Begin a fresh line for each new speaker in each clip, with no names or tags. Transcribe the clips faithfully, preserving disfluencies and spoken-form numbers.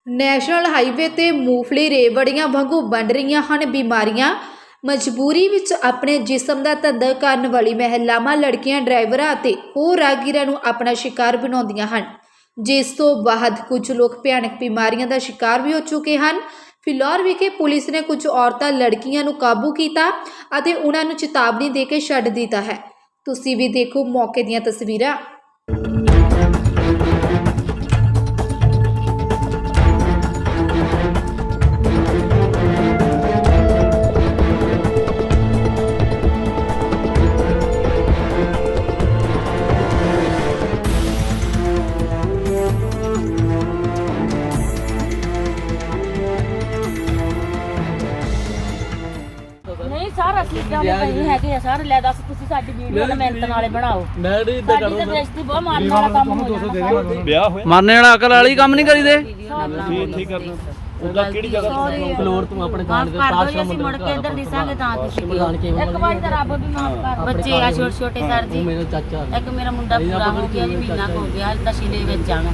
National highway ਤੇ ਮੂੰਗਫਲੀ ਰੇਵੜੀਆਂ ਵਾਂਗੂ ਬਣ ਰਹੀਆਂ ਹਨ ਬਿਮਾਰੀਆਂ। ਮਜਬੂਰੀ ਵਿੱਚ ਆਪਣੇ ਜਿਸਮ ਦਾ ਧੰਦਾ ਕਰਨ ਵਾਲੀ ਮਹਿਲਾਵਾਂ, ਲੜਕੀਆਂ, ਡਰਾਈਵਰਾਂ ਅਤੇ ਹੋਰ ਰਾਹਗੀਰਾਂ ਨੂੰ ਆਪਣਾ ਸ਼ਿਕਾਰ ਬਣਾਉਂਦੀਆਂ ਹਨ, ਜਿਸ ਤੋਂ ਬਾਅਦ ਕੁਝ ਲੋਕ ਭਿਆਨਕ ਬਿਮਾਰੀਆਂ ਦਾ ਸ਼ਿਕਾਰ ਵੀ ਹੋ ਚੁੱਕੇ ਹਨ। ਫਿਲੌਰ ਵਿਖੇ ਪੁਲਿਸ ਨੇ ਕੁਝ ਔਰਤਾਂ, ਲੜਕੀਆਂ ਨੂੰ ਕਾਬੂ ਕੀਤਾ ਅਤੇ ਉਹਨਾਂ ਨੂੰ ਚੇਤਾਵਨੀ ਦੇ ਕੇ ਛੱਡ ਦਿੱਤਾ ਹੈ। ਤੁਸੀਂ ਵੀ ਦੇਖੋ ਮੌਕੇ ਦੀਆਂ ਤਸਵੀਰਾਂ।
नहीं सर असली जाने कहीं है कि सर ले दस तुसी साडी वीडियो ना मेहनत नाले बनाओ।
मैं नहीं इधर
साडी
करूं
ते बेइज्जती बहुत मारने वाला काम हो जाना।
ब्याह होया
मरने वाला अकल वाली काम नहीं करी दे।
ठीक ठीक करना ਉਹਦਾ ਕਿਹੜੀ ਜਗ੍ਹਾ ਤੋਂ
ਫਲੋਰ ਤੋਂ ਆਪਣੇ ਜਾਣ ਦੇ ਤਾਸ਼ ਦਾ ਮੁੜ ਕੇ ਇੱਧਰ ਦਿਸਾਂਗੇ ਤਾਂ ਤੁਸੀਂ ਇੱਕ ਵਾਰੀ ਤਾਂ ਰੱਬ ਵੀ ਮਾਫ ਕਰ। ਬੱਚੇ ਆ ਛੋਟੇ ਛੋਟੇ ਸਰ ਜੀ,
ਮੇਰਾ ਚਾਚਾ
ਇੱਕ ਮੇਰਾ ਮੁੰਡਾ ਪੂਰਾ ਹੋ ਗਿਆ ਜੀ, ਮਹੀਨਾ ਹੋ ਗਿਆ ਨਸ਼ੇ ਦੇ ਵਿੱਚ ਆਣਾ।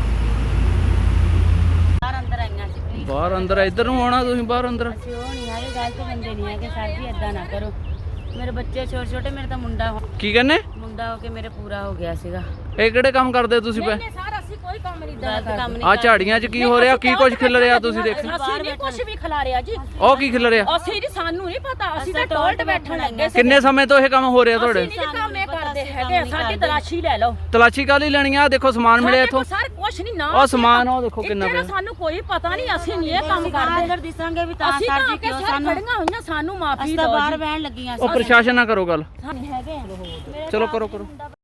ਬਾਹਰ ਅੰਦਰ ਆਈਆਂ ਸੀ ਪਲੀਜ਼।
ਬਾਹਰ ਅੰਦਰ ਇੱਧਰ ਨੂੰ ਆਉਣਾ ਤੁਸੀਂ, ਬਾਹਰ ਅੰਦਰ
ਅਸੀਂ ਉਹ ਨਹੀਂ ਹੈਗੇ, ਗਲਤ ਬੰਦੇ ਨਹੀਂ ਹੈਗੇ ਸਰ ਜੀ, ਏਦਾਂ ਨਾ ਕਰੋ। ਮੇਰੇ ਬੱਚੇ ਛੋਟੇ ਛੋਟੇ, ਮੇਰੇ ਤਾਂ ਮੁੰਡਾ ਹੋ-
ਕੀ ਕਹਿੰਨੇ
ਮੁੰਡਾ ਹੋ ਕੇ ਮੇਰੇ ਪੂਰਾ ਹੋ ਗਿਆ ਸੀਗਾ।
ਇਹ ਕਿਹੜੇ ਕੰਮ ਕਰਦੇ ਤੁਸੀਂ ਪਏ?
ਨਹੀਂ ਸਰ ਅਸੀਂ ਕੋਈ ਕੰਮ ਨਹੀਂ ਦਾ ਕੰਮ ਨਹੀਂ
ਆ ਝਾੜੀਆਂ 'ਚ ਕੀ ਹੋ ਰਿਹਾ, ਕੀ ਕੁਝ ਖਿਲ ਰਿਹਾ ਤੁਸੀਂ ਦੇਖ?
ਅਸੀਂ ਨਹੀਂ ਕੁਝ ਵੀ ਖਿਲਾ ਰਿਹਾ ਜੀ,
ਉਹ ਕੀ ਖਿਲ ਰਿਹਾ?
ਅਸੀਂ ਨਹੀਂ, ਸਾਨੂੰ ਨਹੀਂ ਪਤਾ, ਅਸੀਂ ਤਾਂ ਟੋਲਟ ਬੈਠਣ ਲੱਗੇ ਸੀ।
ਕਿੰਨੇ ਸਮੇਂ ਤੋਂ ਇਹ ਕੰਮ ਹੋ ਰਿਹਾ
ਅਸੀਂ
ਤੁਹਾਡੇ?
ਨਹੀਂ ਕੰਮ ਇਹ ਕਰਦੇ ਹੈਗੇ, ਸਾਡੀ ਤਲਾਸ਼ੀ ਲੈ ਲਓ।
ਤਲਾਸ਼ੀ ਕਾਹਦੀ ਲੈਣੀ ਆ? ਦੇਖੋ ਸਮਾਨ ਮਿਲਿਆ ਇੱਥੋਂ।
ਸਰ ਕੁਝ ਨਹੀਂ ਨਾ,
ਉਹ ਸਮਾਨ ਉਹ ਦੇਖੋ ਕਿੰਨਾ ਪਿਆ।
ਸਾਨੂੰ ਕੋਈ ਪਤਾ ਨਹੀਂ, ਅਸੀਂ ਨਹੀਂ ਇਹ ਕੰਮ
ਅੰਦਰ
ਕਰਦੇ।
ਦਿਸਾਂਗੇ ਵੀ ਤਾਂ
ਅਸੀਂ
ਸਰ
ਤਾਂ
ਜੀ
ਅੱਗੇ
ਕਿਉਂ
ਸਰ
ਸਾਨੂੰ
ਖੜੀਆਂ ਹੋਈਆਂ, ਸਾਨੂੰ ਮਾਫੀ
ਅਸੀਂ
ਦਿਓ
ਤਾਂ ਬਾਹਰ
ਜੀ।
ਬਹਿਣ ਲੱਗੀਆਂ
ਉਹ ਪ੍ਰਸ਼ਾਸਨ ਨਾਲ ਕਰੋ ਗੱਲ।
ਹੈਗੇ
ਚਲੋ ਕਰੋ ਕਰੋ।